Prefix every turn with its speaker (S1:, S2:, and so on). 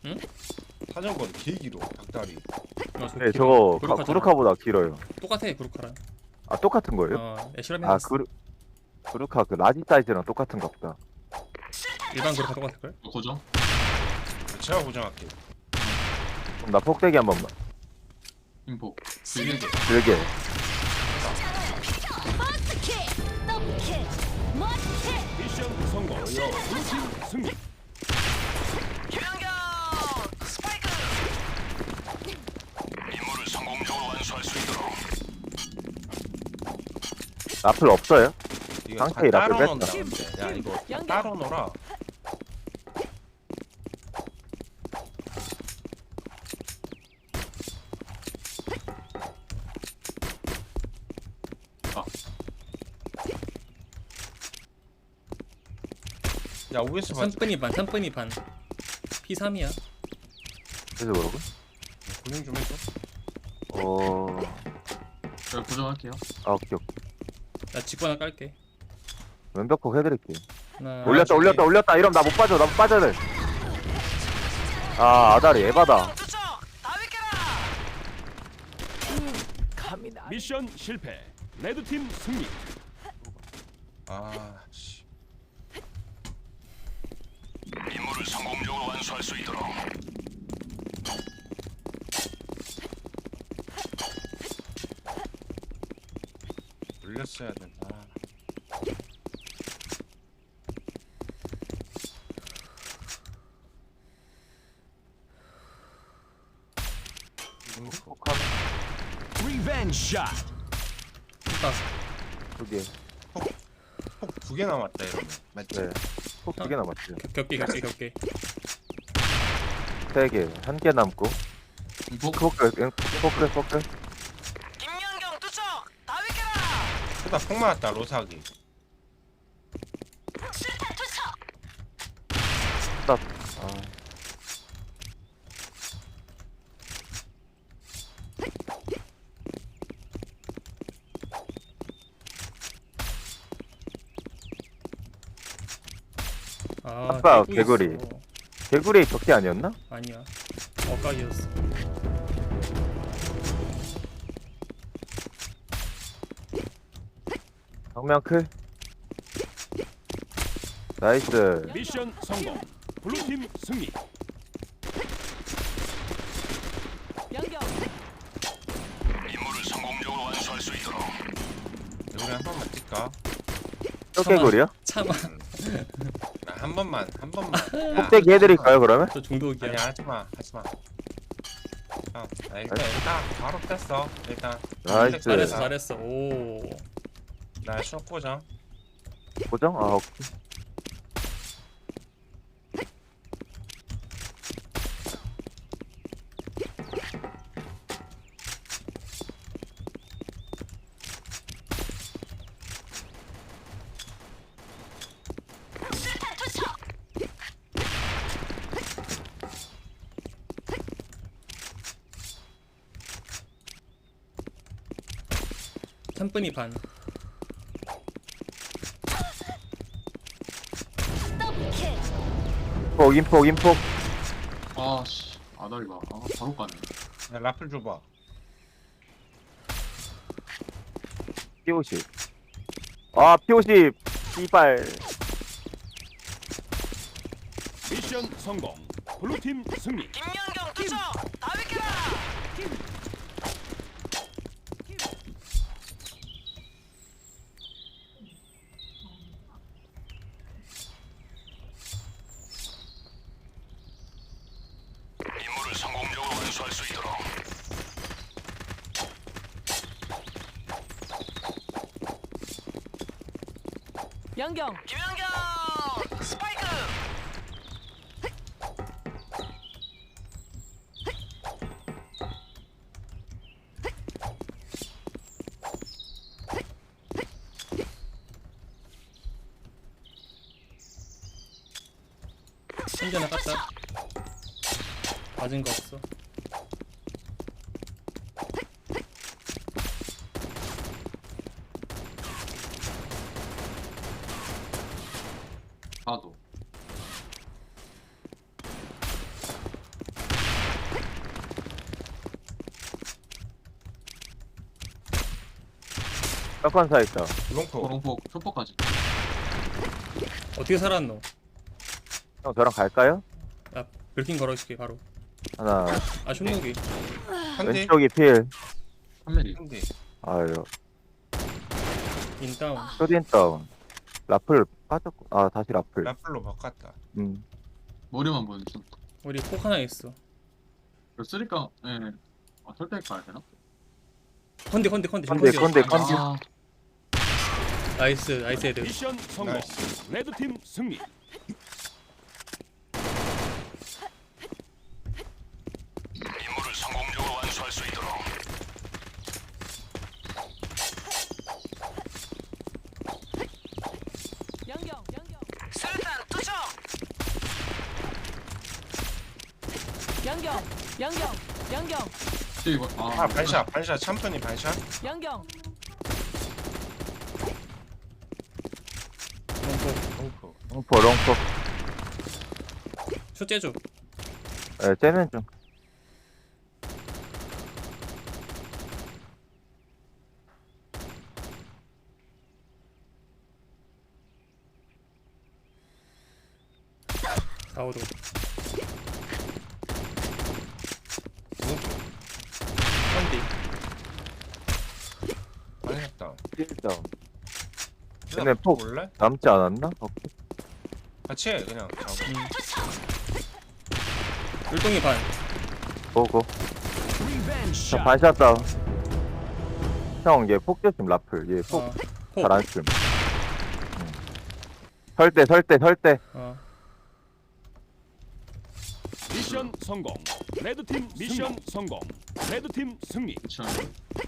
S1: 응?
S2: 사정거리 개 길어 닭다리.
S3: 네, 저거
S1: 구루카잖아.
S3: 구루카보다 길어요.
S1: 똑같아 구루카랑.
S3: 아, 똑같은 거예요?
S1: 애쉬라면
S3: 아, 구루카 그 라지 사이즈랑 똑같은가 보다.
S1: 일반 구루카 똑같을 걸?
S4: 고정.
S2: 제가 고정할게.
S3: 그럼 나 폭대기 한 번만.
S4: 인포.
S2: 길게.
S3: 길게.
S5: 미션 성공. 블루팀 승리.
S3: 라플 없어요?
S2: 이거 다
S3: 상태의
S2: 따로
S3: 라벨
S2: 놓는다.
S3: 뺐다.
S2: 근데. 야 이거 다 따로 놓라. 야 OS 봐.
S1: 3분이 반 3분이 반 P3이야.
S3: 그래서 그러고?
S2: 고정 좀 해줘.
S4: 제가 고정할게요.
S3: 아, 오케이, 오케이.
S1: 나 직구 하나 깔게.
S3: 왼벽폭 해드릴게.
S1: 하나,
S3: 올렸다. 이러면 나 못 빠져. 나 못 빠져야 돼. 아, 아다리 에바다.
S5: 미션 실패. 레드팀 승리.
S2: 아 씨.
S5: 임무를 성공적으로 완수할 수 있도록.
S2: 올렸어야 된다.
S5: 리벤지 샷.
S1: 딱.
S3: 두 개.
S2: 폭 두 개 남았다 이러면. 맞지?
S3: 네. 폭 두 개 남았지.
S1: 겹게.
S3: 세 개. 한 개 남고.
S4: 인포.
S3: 포크.
S6: 김연경 투척 다위께라
S2: 그다 폭 맞았다 로사기.
S6: 실탄 투척
S3: 스탑. 아, 아까
S1: 깨고
S3: 개구리.
S1: 있어.
S3: 개구리 적게 아니었나?
S1: 아니야. 엇각이었어.
S3: 정면 클. 나이스.
S5: 미션 성공. 블루팀 승리.
S6: 연경
S5: 임무를 성공적으로 완수할 수 있도록.
S2: 우리 한 번만 뛸까?
S3: 또 개구리야?
S1: 참아.
S2: 나 한 번만. 야,
S3: 폭대기 해드릴까요, 그러면?
S1: 저 중독이야.
S2: 아니야 하지마. 나 일단 바로 뺐어. 일단.
S3: 나이스.
S1: 잘했어. 오.
S2: 나 쇼 고정.
S3: 고정? 아, 오케이.
S6: 실탄 투척
S1: 3분이 반.
S6: 더블킬
S3: 인폭.
S4: 아씨. 아다리가. 바로 까네.
S2: 야 라플 줘봐.
S3: P50. 아, P50. 씨발.
S5: 미션 성공. 블루팀 승리.
S6: 김연경 투척 다위께라
S5: 임무를 성공적으로 완수할 수 있도록.
S6: 연경 김연경 스파이크
S1: 신기 하나 깠다. 맞은 거 없어.
S4: 파도.
S3: 떡관사 있다.
S2: 롱포.
S4: 롱폭 초폭까지.
S1: 어떻게 살았노?
S3: 형 저랑 갈까요?
S1: 나 브리핑 걸어줄게 바로.
S3: 하나
S1: 아 슛무기.
S2: 한대.
S3: 왼쪽이 필.
S4: 3mm.
S2: 한대.
S3: 아유
S1: 인다운.
S3: 쇼딘 다운. 라플 빠졌고 아 다시 라플.
S2: 라플로 바꿨다.
S4: 머리만 보여줬어.
S1: 우리 폭 하나 있어.
S4: 쓰리까, 예. 아, 설대 가야 되나?
S1: 컨디.
S3: 컨디, 컨디.
S4: 아,
S1: 나이스 헤드.
S5: 미션 성공.
S2: 나이스.
S5: 레드팀 승리. 임무를 성공적으로 완수할 수 있도록.
S6: 양경. 수류탄 투척. 양경.
S4: 이거,
S2: 아 반샷 참프니 반샷.
S6: 양경.
S1: 롱폭.
S2: 롱포.
S3: 롱포.
S1: 슛 째줘.
S3: 예, 째는 중.
S1: 사오도. 컨디.
S2: 반샷다.
S3: 필 다운. 근데 폭
S2: 몰래?
S3: 남지 않았나?
S2: 같이 해 그냥 잡아.
S1: 율동이 반.
S3: 보고.
S5: 리벤지
S3: 자
S5: 샷.
S3: 반샷 다운. 형, 얘 폭 조심 라플. 얘 폭
S1: 어. 폭.
S3: 잘 안 씀. 설대.
S1: 어.
S5: 미션 성공. 레드팀 미션 성공. 레드팀 승리.
S4: 그쵸.